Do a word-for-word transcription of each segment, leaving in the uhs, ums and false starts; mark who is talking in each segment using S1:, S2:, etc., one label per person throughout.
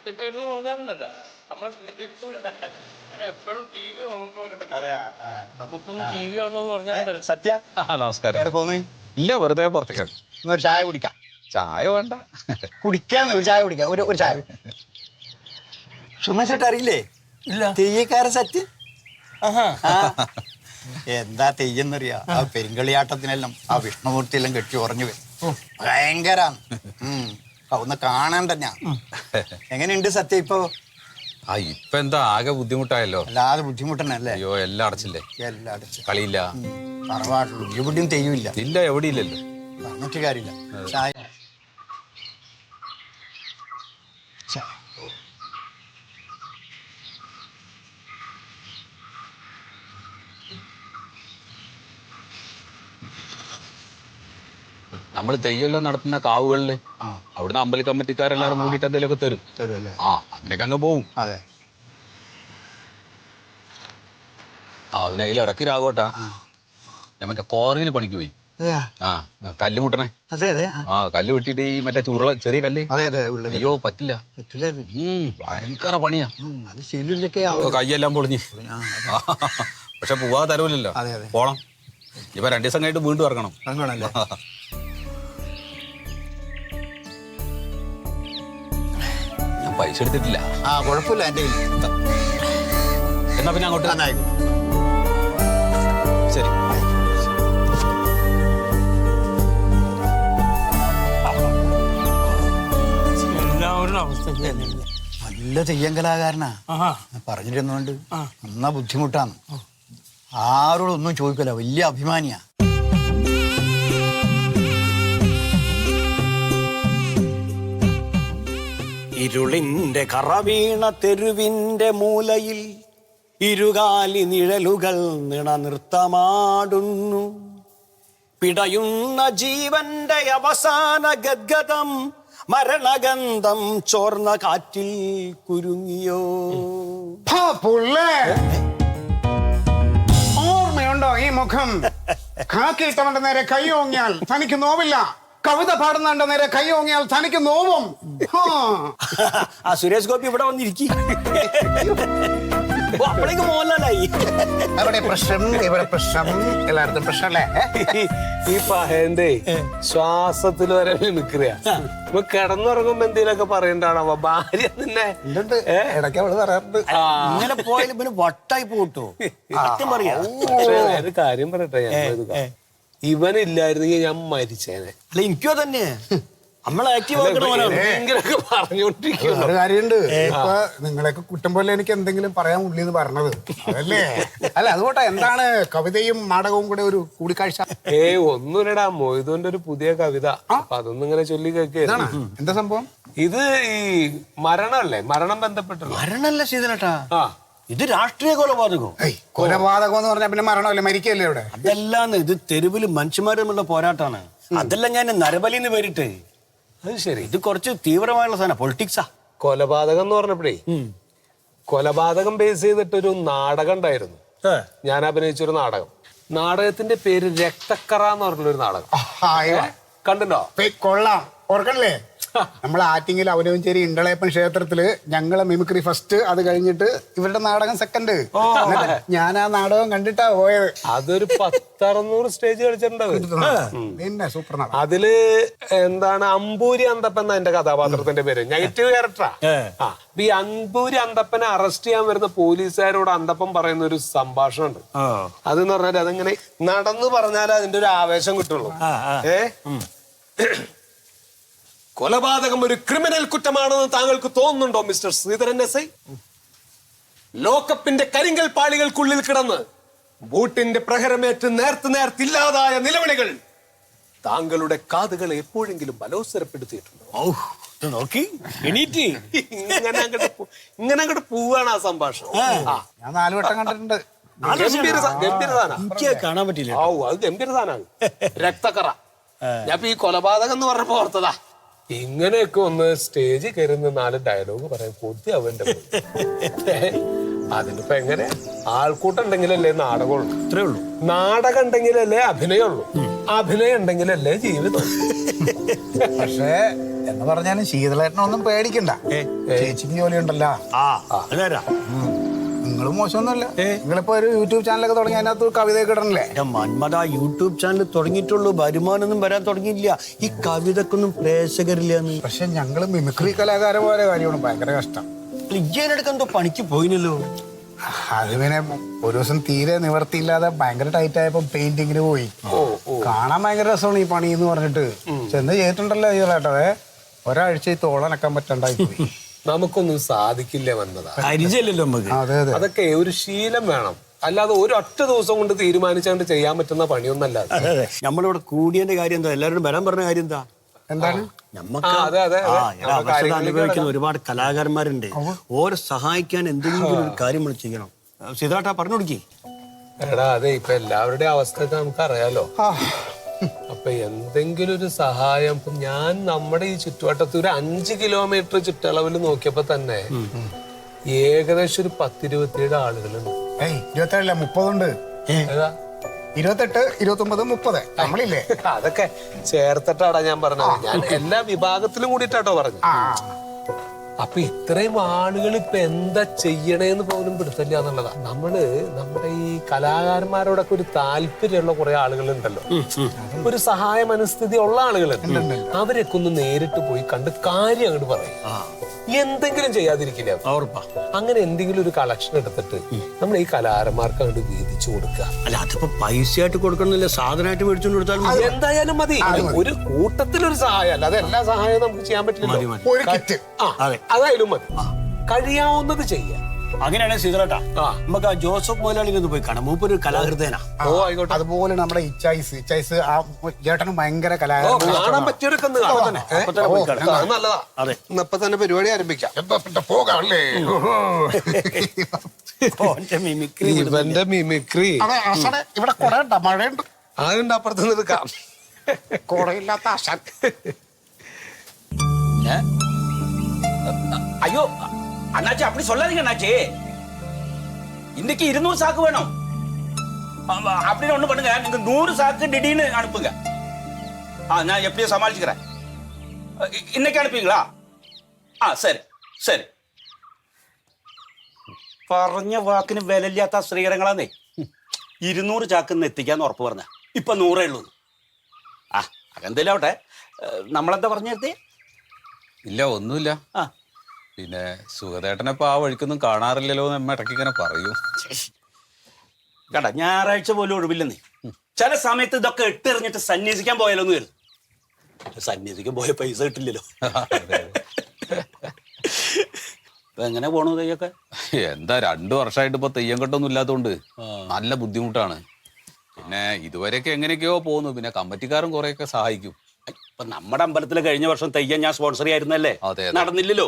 S1: സത്യ നമസ്കാരം. ഇല്ല, വെറുതെ പുറത്തേക്ക് ഒരു ചായ കുടിക്കാം. ചായ വേണ്ട, കുടിക്കാന്ന് ഒരു ചായ കുടിക്കാം. ഒരു ഒരു ചായ. സുമേഷേട്ട അറിയില്ലേ? ഇല്ല. തെയ്യക്കാരൻ സത്യ. എന്താ തെയ്യെന്നറിയാ? ആ പെരുങ്കളിയാട്ടത്തിനെല്ലാം ആ വിഷ്ണുമൂർത്തി എല്ലാം കെട്ടി ഉറഞ്ഞു വരും. ഭയങ്കരാണ്. ഉം ഒന്ന് കാണാൻ തന്നെ. എങ്ങനെയുണ്ട് സത്യ ഇപ്പൊ?
S2: ആ ഇപ്പൊ എന്താ ആകെ ബുദ്ധിമുട്ടായല്ലോ.
S1: അല്ലാതെ ബുദ്ധിമുട്ടണല്ലേ?
S2: അയ്യോ, എല്ലാം അടച്ചില്ലേ?
S1: എല്ലാം അടച്ചു.
S2: കളിയില്ല,
S1: തറവാട്ടുള്ളൂ, എവിടെയും തെയ്യമില്ല.
S2: ഇല്ല, എവിടെ ഇല്ലല്ലോ.
S1: പറഞ്ഞിട്ട് കാര്യമില്ല. ചായ
S2: നമ്മള് തെയ്യെല്ലാം നടത്തുന്ന കാവുകളില് അവിടുന്ന് അമ്പല കമ്മിറ്റിക്കാരെല്ലാരും കൂടിയിട്ട് എന്തെങ്കിലുമൊക്കെ തരും.
S1: തരുമല്ലേ?
S2: ആ അങ്ങനെയൊക്കെ അങ്ങ് പോവും.
S1: അതെ.
S2: ആ അതിന് അതിൽ ഇടയ്ക്ക് രാഘവട്ടാ ഞാൻ മറ്റേ കോറയിൽ പണിക്ക് പോയി. ആ കല്ല് മുട്ടണേ.
S1: അതെ അതെ.
S2: ആ കല്ല് വെട്ടിട്ട് ഈ മറ്റേ ചുരുള ചെറിയ കല്ല്.
S1: അതെ അതെ.
S2: അയ്യോ പറ്റില്ല, ഭയങ്കര പണിയാ. കയ്യെല്ലാം പൊളിഞ്ഞ്. പക്ഷെ പോവാ തരൂലല്ലോ. പോണം. ഇപ്പൊ രണ്ടു ദിവസം കഴിഞ്ഞിട്ട് വീണ്ടും ഇറങ്ങണം. ഞാൻ പൈസ എടുത്തിട്ടില്ല.
S1: ആ കുഴപ്പമില്ല. എന്റെ
S2: എന്നാ പിന്നെ അങ്ങോട്ട് ശരി.
S1: നല്ല തെയ്യം കലാകാരനാ. പറഞ്ഞിരുന്നോണ്ട് എന്നാ ബുദ്ധിമുട്ടാണ്. ആരോടൊന്നും ചോദിക്കല. വലിയ അഭിമാനിയാ.
S3: ഇരുളിന്റെ കറവീണ തെരുവിന്റെ മൂലയിൽ ഇരുകാലി നിഴലുകൾ നിണനൃത്തമാടുന്നു. പിടയുന്ന ജീവന്റെ അവസാന ഗദ്ഗതം മരണഗന്ധം ചോർന്ന കാറ്റിൽ കുരുങ്ങിയോ.
S4: ഓർമ്മയുണ്ടോ ഈ മുഖം? കാക്കിയിട്ടവന്റെ നേരെ കൈ ഓങ്ങിയാൽ തനിക്ക് നോവില്ല. കവിത പാടുന്നവന്റെ നേരെ കൈ ഓങ്ങിയാൽ തനിക്ക് നോവും.
S3: ആ സുരേഷ് ഗോപി ഇവിടെ വന്നിരിക്കും. അപ്പോഴേക്ക് മോഹൻലാലായി.
S4: അവിടെ പ്രശ്നം, ഇവിടെ പ്രശ്നം, എല്ലായിടത്തും പ്രശ്നല്ലേ?
S5: ഈ പഹന്റെ ശ്വാസത്തിൽ വരെ നിൽക്കുക. ഇപ്പൊ കിടന്നുറങ്ങുമ്പോ എന്തെങ്കിലുമൊക്കെ പറയണ്ടാണോ ഭാര്യ നിന്നെ?
S4: ഇടയ്ക്ക് അവള് പറയാറുണ്ട്.
S3: ഇങ്ങനെ പോയാലും പിന്നെ വട്ടായി പോട്ടോ. പറയാ
S5: ഒരു കാര്യം പറയട്ടെ, ഞാൻ ഇവനില്ലായിരുന്നെങ്കിൽ ഞാൻ മരിച്ചേനെ.
S3: അല്ല എനിക്കോ തന്നെ നമ്മളെ ആക്റ്റീവ്
S5: പറഞ്ഞോണ്ടിരിക്കും.
S4: ഒരു കാര്യമുണ്ട്. ഇപ്പൊ നിങ്ങളെയൊക്കെ കുറ്റം പോലെ എനിക്ക് എന്തെങ്കിലും പറയാൻ ഉള്ളിന്ന് പറഞ്ഞത് അതല്ലേ? അല്ല അതുകൊണ്ടാ. എന്താണ് കവിതയും നാടകവും കൂടെ ഒരു കൂടിക്കാഴ്ച?
S5: ഏ ഒന്നുമില്ലടാ, മൊയ്തുവിന്റെ ഒരു പുതിയ കവിത. അപ്പൊ അതൊന്നും ഇങ്ങനെ ചൊല്ലി കേൾക്കുകയാണ്.
S4: എന്താ സംഭവം?
S5: ഇത് ഈ മരണല്ലേ, മരണം ബന്ധപ്പെട്ടുള്ള
S3: മരണല്ല ശീതനട്ടാ. ഇത് രാഷ്ട്രീയ കൊലപാതകം.
S4: കൊലപാതകം എന്ന് പറഞ്ഞാൽ പിന്നെ മരണമല്ലേ, മരിക്കല്ലേ ഇവിടെ?
S3: അതല്ലാന്ന്, ഇത് തെരുവില് മനുഷ്യന്മാർ തമ്മിലുള്ള പോരാട്ടാണ്. അതെല്ലാം ഞാൻ നരബലിന്ന് പേരിട്ട്.
S5: അത് ശരി.
S3: ഇത് കുറച്ച് തീവ്രമായുള്ള സാധനം, പൊളിറ്റിക്സാ.
S5: കൊലപാതകം എന്ന് പറഞ്ഞപ്പോഴേ കൊലപാതകം ബേസ് ചെയ്തിട്ടൊരു നാടകം ഉണ്ടായിരുന്നു. ഞാൻ അഭിനയിച്ചൊരു നാടകം. നാടകത്തിന്റെ പേര് രക്തക്കറ എന്ന് പറഞ്ഞൊരു നാടകം. കണ്ടിട്ടോ?
S4: കൊള്ളാം. ഓർക്കണല്ലേ? നമ്മളെ ആറ്റിങ്ങിൽ അവനവഞ്ചേരി ഇണ്ടളയപ്പൻ ക്ഷേത്രത്തില് ഞങ്ങളെ മിമിക്രി ഫസ്റ്റ്, അത് കഴിഞ്ഞിട്ട് ഇവരുടെ നാടകം സെക്കൻഡ്. ഞാൻ ആ നാടകം കണ്ടിട്ടാ പോയത്.
S5: അതൊരു പത്തറുന്നൂറ് സ്റ്റേജ് കളിച്ചിട്ടുണ്ടാവും.
S4: പിന്നെ സൂപ്പർ.
S5: അതില് എന്താണ് അമ്പൂരി അന്തപ്പൻ എന്ന എന്റെ കഥാപാത്രത്തിന്റെ പേര്. നെഗറ്റീവ് ക്യാരക്ടറാ. ആ ഈ അമ്പൂരി അന്തപ്പനെ അറസ്റ്റ് ചെയ്യാൻ വരുന്ന പോലീസുകാരോട് അന്തപ്പൻ പറയുന്ന ഒരു സംഭാഷണം ഉണ്ട്. അതെന്ന് പറഞ്ഞാൽ അതിങ്ങനെ നടന്നു പറഞ്ഞാലേ അതിന്റെ ഒരു ആവേശം കിട്ടുള്ളൂ. ഏ കൊലപാതകം ഒരു ക്രിമിനൽ കുറ്റമാണെന്ന് താങ്കൾക്ക് തോന്നുന്നുണ്ടോ മിസ്റ്റർ ശ്രീധരൻ എസ് ഐ? ലോക്കപ്പിന്റെ കരിങ്കൽ പാളികൾക്കുള്ളിൽ കിടന്ന് ബൂട്ടിന്റെ പ്രഹരമേറ്റ് നേർത്ത് നേർത്തില്ലാതായ നിലവിളികൾ താങ്കളുടെ കാതുകളെ എപ്പോഴെങ്കിലും ബലോത്സരപ്പെടുത്തിയിട്ടുണ്ടോ?
S3: നോക്കി എണീറ്റ്
S5: ഇങ്ങനെ അങ്ങോട്ട് ഇങ്ങനെ അങ്ങോട്ട് പോവാണ് ആ സംഭാഷണം.
S4: ഞാൻ നാല് വട്ടം കണ്ടിട്ടുണ്ട്.
S5: ഗംഭീര ഗംഭീര സാധനം.
S3: എനിക്ക് കാണാൻ പറ്റില്ല.
S5: ഓ അത് ഗംഭീര സാധനമാണ്. രക്തക്കറ. ഞാൻ ഈ കൊലപാതകം എന്ന് പറഞ്ഞപ്പോ ഓർത്തതാ. ഇങ്ങനെയൊക്കെ ഒന്ന് സ്റ്റേജിൽ കയറുന്ന നാല് ഡയലോഗ് പറയാൻ കൊതി അവന്റെ. അതിനിപ്പോ എങ്ങനെ? ആൾക്കൂട്ടം ഉണ്ടെങ്കിലല്ലേ നാടകമുള്ളൂ.
S3: അത്രേ ഉള്ളൂ.
S5: നാടകം ഉണ്ടെങ്കിലല്ലേ അഭിനയമുള്ളൂ. അഭിനയം ഉണ്ടെങ്കിലല്ലേ ജീവിതം.
S4: പക്ഷേ എന്ന് പറഞ്ഞാലും ശീതളേട്ടനൊന്നും പേടിക്കണ്ട ചേച്ചിക്ക് ജോലി ഉണ്ടല്ലോ.
S3: ആ അതാരാ
S4: നിങ്ങളും മോശമൊന്നുമല്ല. നിങ്ങളിപ്പോ ഒരു യൂട്യൂബ് ചാനലൊക്കെ തുടങ്ങി അതിനകത്ത് കവിതയൊക്കെ ഇടണല്ലേ?
S3: മന്മത യൂട്യൂബ് ചാനൽ തുടങ്ങിയിട്ടുള്ളൂ, വരുമാനമൊന്നും വരാൻ തുടങ്ങിയില്ല. ഈ കവിതക്കൊന്നും പ്രേക്ഷകരില്ല.
S4: പക്ഷെ ഞങ്ങള് മിമിക്രി കലാകാരന്മാരെ കാര്യമാണ് ഭയങ്കര കഷ്ടം.
S3: ഇജ്ജേനെടുക്കാൻ എന്തോ പണിക്ക് പോയിനല്ലോ.
S4: അത് പിന്നെ ഒരു ദിവസം തീരെ നിവർത്തിയില്ലാതെ ഭയങ്കര ടൈറ്റ് ആയപ്പോ പെയിന്റിങ്ങിന് പോയി. കാണാൻ ഭയങ്കര രസമാണ് ഈ പണി എന്ന് പറഞ്ഞിട്ട് ചെന്ന് ചെയ്തിട്ടുണ്ടല്ലോ ചെയ്തേട്ടതെ. ഒരാഴ്ച ഈ തോളനക്കാൻ പറ്റണ്ടായി പോയി.
S5: നമുക്കൊന്നും സാധിക്കില്ല വന്നതാ.
S3: പരിചയമില്ലല്ലോ നമുക്ക്.
S4: അതെ അതെ.
S5: അതൊക്കെ ഒരു ശീലം വേണം, അല്ലാതെ ഒരു ഒറ്റ ദിവസം കൊണ്ട് തീരുമാനിച്ചുകൊണ്ട് ചെയ്യാൻ പറ്റുന്ന പണിയൊന്നല്ല.
S3: അതെ അതെ. നമ്മളിവിടെ കൂടിയതിന്റെ കാര്യം എന്താ, എല്ലാവരും വരാൻ പറഞ്ഞ കാര്യം എന്താ?
S4: എന്താണ്?
S3: നമുക്ക്
S5: അതെ, അതെ, അതെ.
S3: ആ, എടാ, അവസരം അനുഭവിക്കുന്ന ഒരുപാട് കലാകാരന്മാരുണ്ട്. ഓരെ സഹായിക്കാൻ എന്തെങ്കിലും ഒരു കാര്യം നമ്മൾ ചെയ്യണം. സീതാട്ടാ പറഞ്ഞു കൊടുക്കി.
S5: എടാ അതെ, ഇപ്പൊ എല്ലാവരുടെയും അവസ്ഥയൊക്കെ നമുക്ക് അറിയാലോ. അപ്പൊ എന്തെങ്കിലും ഒരു സഹായം. ഇപ്പൊ ഞാൻ നമ്മുടെ ഈ ചുറ്റുവട്ടത്ത് ഒരു അഞ്ച് കിലോമീറ്റർ ചുറ്റളവിൽ നോക്കിയപ്പോ തന്നെ ഏകദേശം ഒരു പത്തിരുപത്തിയേഴ് ആളുകളുണ്ട്.
S4: ഏയ് ഇരുപത്തേഴില്ല മുപ്പതുണ്ട്.
S5: ഏതാ?
S4: ഇരുപത്തെട്ട് ഇരുപത്തി ഒമ്പത് മുപ്പത് നമ്മളില്ലേ?
S5: അതൊക്കെ ചേർത്തിട്ടാടാ ഞാൻ പറഞ്ഞത്. ഞാൻ എല്ലാ വിഭാഗത്തിലും കൂടിയിട്ടാട്ടോ പറഞ്ഞു. അപ്പൊ ഇത്രയും ആളുകൾ ഇപ്പൊ എന്താ ചെയ്യണേന്ന് പോലും പിടുത്തില്ല എന്നുള്ളതാ. നമ്മള് നമ്മുടെ ഈ കലാകാരന്മാരോടൊക്കെ ഒരു താല്പര്യമുള്ള കുറെ ആളുകളുണ്ടല്ലോ, ഒരു സഹായ മനസ്ഥിതി ഉള്ള ആളുകളുണ്ട്. അവരൊക്കെ ഒന്ന് നേരിട്ട് പോയി കണ്ട് കാര്യം അങ്ങോട്ട് പറയും. എന്തെങ്കിലും ചെയ്യാതിരിക്കില്ല. അങ്ങനെ എന്തെങ്കിലും ഒരു കളക്ഷൻ എടുത്തിട്ട് നമ്മൾ ഈ കലാകാരന്മാർക്ക് അങ്ങോട്ട് വീതിച്ചു കൊടുക്കുക.
S3: അല്ല അതിപ്പോ പൈസ ആയിട്ട് കൊടുക്കണമെന്നില്ല, സാധനമായിട്ട് മേടിച്ചോണ്ട് കൊടുത്താലും
S5: എന്തായാലും മതി. ഒരു കൂട്ടത്തിലൊരു സഹായം അല്ല, അത് എല്ലാ സഹായവും നമുക്ക് ചെയ്യാൻ പറ്റില്ല.
S4: ഒരു കിറ്റ്
S5: അതായാലും മതി, കഴിയാവുന്നത് ചെയ്യാം.
S3: അങ്ങനെയാണ് സീതളേട്ടാ. നമുക്ക് ആ ജോസഫ് മുതലാളി ഒന്ന് പോയി കാണാം. മൂപ്പൊരു കലാകൃതേനാ.
S5: ഓ ആയിക്കോട്ടെ.
S4: അതുപോലെ നമ്മുടെ ഇച്ചായിസ് ഇച്ചായിസ് ആ ചേട്ടനും ഭയങ്കര
S5: കാണാൻ പറ്റിയവരൊക്കെ ഒന്ന് കാണാം. അത് നല്ലതാ.
S3: അതെ,
S5: ഇപ്പൊ തന്നെ പരിപാടി ആരംഭിക്കാം.
S4: പോകാമല്ലേ?
S3: മിമിക്രി
S5: ഇവന്റെ മിമിക്രി
S4: ഇവിടെ കുറെ ഉണ്ട്, മഴയുണ്ട്.
S5: അതുകൊണ്ട് അപ്പുറത്ത് നിൽക്കാം.
S4: കുടയില്ലാത്ത ആശാൻ.
S2: ஐயோ அண்ணாச்சி அப்படி சொல்லாதீங்க அண்ணாச்சி. இன்னைக்கு இருநூறு சாக்கு வேணும் அப்படின்னு ஒண்ணு பண்ணுங்க. நீங்க நூறு சாக்கு திடீர்னு அனுப்புங்க. ஆ நான் எப்படியும் சமாளிச்சுக்கிறேன். இன்னைக்கு அனுப்புவீங்களா? ആ ശരി ശരി. പറഞ്ഞ വാക്കിന് വിലയില്ലാത്ത ശ്രീകരങ്ങളാന്നേ. ഇരുന്നൂറ് ചാക്കിന്ന് എത്തിക്കാന്ന് ഉറപ്പ് പറഞ്ഞ ഇപ്പൊ നൂറേ ഉള്ളൂ. ആ അതെന്തേലും ആവട്ടെ. നമ്മളെന്താ പറഞ്ഞു നിർത്തി? ഇല്ല ഒന്നുമില്ല. ആ പിന്നെ സുഖദേട്ടനെപ്പോ ആ വഴിക്കൊന്നും കാണാറില്ലല്ലോ എന്ന് അമ്മ ഇടയ്ക്ക് ഇങ്ങനെ പറയൂ. കേട്ടാ ഞായറാഴ്ച പോലും ഒഴിവില്ലെന്നേ. ചില സമയത്ത് ഇതൊക്കെ ഇട്ടെറിഞ്ഞിട്ട് സന്യസിക്കാൻ പോയാലോ എന്ന് കരുതും. സന്യസിക്കാൻ പോയ പൈസ കിട്ടില്ലല്ലോ. ഇപ്പൊ എങ്ങനെ പോണു തെയ്യൊക്കെ? എന്താ രണ്ടു വർഷമായിട്ട് ഇപ്പൊ തെയ്യം കെട്ടൊന്നും ഇല്ലാത്തതുകൊണ്ട് നല്ല ബുദ്ധിമുട്ടാണ്. പിന്നെ ഇതുവരെയൊക്കെ എങ്ങനെയൊക്കെയോ പോകുന്നു. പിന്നെ കമ്മിറ്റിക്കാരും കുറെയൊക്കെ സഹായിക്കും. ഇപ്പൊ നമ്മുടെ അമ്പലത്തിൽ കഴിഞ്ഞ വർഷം തെയ്യം ഞാൻ സ്പോൺസർ ചെയ്യായിരുന്നല്ലേ, നടന്നില്ലല്ലോ.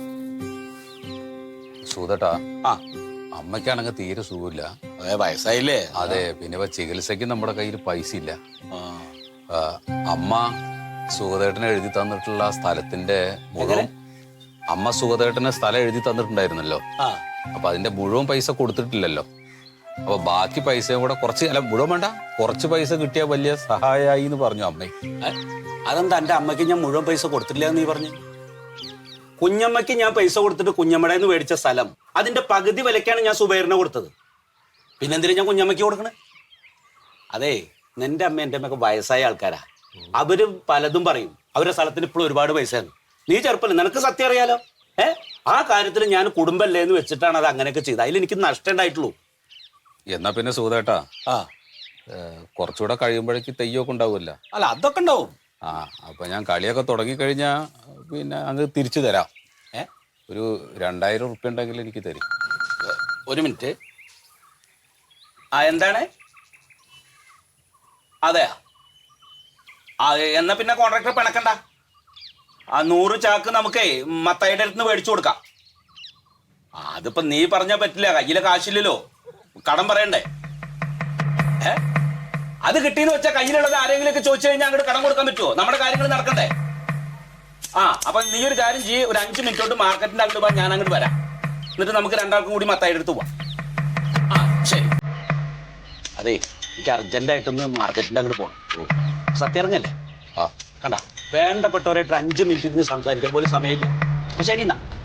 S2: സൂതട്ടാ, ആ അമ്മയ്ക്കാണെങ്കിൽ തീരെ സുഖമില്ല. അതെ വയസ്സായില്ലേ? അതെ. പിന്നെ ഇപ്പൊ ചികിത്സയ്ക്ക് നമ്മുടെ കയ്യിൽ പൈസ ഇല്ല. അമ്മ സുഖദേട്ടനെ എഴുതി തന്നിട്ടുള്ള സ്ഥലത്തിന്റെ മുഴുവൻ അമ്മ സുഖദേട്ടന് സ്ഥലം എഴുതി തന്നിട്ടുണ്ടായിരുന്നല്ലോ. അപ്പൊ അതിന്റെ മുഴുവൻ പൈസ കൊടുത്തിട്ടില്ലല്ലോ. അപ്പൊ ബാക്കി പൈസയും കൂടെ കുറച്ച്, അല്ല മുഴുവൻ വേണ്ട, കുറച്ച് പൈസ കിട്ടിയാൽ വലിയ സഹായമായി എന്ന് പറഞ്ഞു അമ്മ. അതെന്താ എന്റെ അമ്മയ്ക്ക് ഞാൻ മുഴുവൻ പൈസ കൊടുത്തില്ല എന്ന് നീ പറഞ്ഞു? കുഞ്ഞമ്മയ്ക്ക് ഞാൻ പൈസ കൊടുത്തിട്ട് കുഞ്ഞമ്മയുടെ നിന്ന് മേടിച്ച സ്ഥലം അതിന്റെ പകുതി വിലക്കാണ് ഞാൻ സുബൈറിനെ കൊടുത്തത്. പിന്നെന്തിനാ ഞാൻ കുഞ്ഞമ്മയ്ക്ക് കൊടുക്കണേ? അതെ, നിന്റെ അമ്മ എൻ്റെ അമ്മയൊക്കെ വയസ്സായ ആൾക്കാരാ. അവര് പലതും പറയും. അവരുടെ സ്ഥലത്തിന് ഇപ്പോഴും ഒരുപാട് പൈസയാണ്. നീ ചെറുപ്പല്ലേ, നിനക്ക് സത്യം അറിയാലോ. ഏഹ് ആ കാര്യത്തിൽ ഞാൻ കുടുംബല്ലേ എന്ന് വെച്ചിട്ടാണ് അത് അങ്ങനെയൊക്കെ ചെയ്തത്. അതിൽ എനിക്ക് നഷ്ടം ഉണ്ടായിട്ടുള്ളൂ. എന്നാ പിന്നെ സുഖദേട്ടാ, ആ കുറച്ചുകൂടെ കഴിയുമ്പോഴേക്ക് തെയ്യമൊക്കെ ഉണ്ടാവുമല്ലോ. അല്ല അതൊക്കെ ഉണ്ടാവും. ആ അപ്പൊ ഞാൻ കളിയൊക്കെ തുടങ്ങിക്കഴിഞ്ഞാ പിന്നെ അങ്ങ് തിരിച്ചു തരാം. ഏ ഒരു രണ്ടായിരം ഉറുപ്പ്യ ഉണ്ടെങ്കിൽ എനിക്ക് തരും. ഒരു മിനിറ്റ്. ആ എന്താണ്? അതെയാ? ആ എന്നാ പിന്നെ കോൺട്രാക്ടർ പിണക്കണ്ട. ആ നൂറ് ചാക്ക് നമുക്കേ മത്തായിയുടെ അടുത്ത് നിന്ന് മേടിച്ചു കൊടുക്കാം. അതിപ്പോ നീ പറഞ്ഞാ പറ്റില്ല, കയ്യിലെ കാശില്ലല്ലോ, കടം പറയണ്ടേ. ഏ അത് കിട്ടിയെന്ന് വെച്ചാൽ കയ്യിലുള്ളത് ആരെങ്കിലും ഒക്കെ ചോദിച്ചു കഴിഞ്ഞാൽ അങ്ങോട്ട് കടം കൊടുക്കാൻ പറ്റുമോ? നമ്മുടെ കാര്യങ്ങൾ നടക്കണ്ടേ. ആ അപ്പൊ നീ ഒരു കാര്യം ചെയ്യ്, ഒരു അഞ്ച് മിനിറ്റ് തൊട്ട് മാർക്കറ്റിന്റെ അങ്ങോട്ട് പോകാൻ ഞാൻ അങ്ങോട്ട് വരാം. എന്നിട്ട് നമുക്ക് രണ്ടാൾക്കും കൂടി മത്തായിയുടെ അടുത്ത് പോവാം. ആ ശരി. അതെ എനിക്ക് അർജന്റായിട്ടൊന്ന് മാർക്കറ്റിന്റെ അങ്ങോട്ട് പോകണം. സത്യം ഇറങ്ങല്ലേ? ആ കണ്ട
S3: വേണ്ടപ്പെട്ടവരായിട്ട് അഞ്ച് മിനിറ്റ് ഇരുന്ന് സംസാരിക്കാൻ പോലും സമയമില്ല. ശരി എന്നാ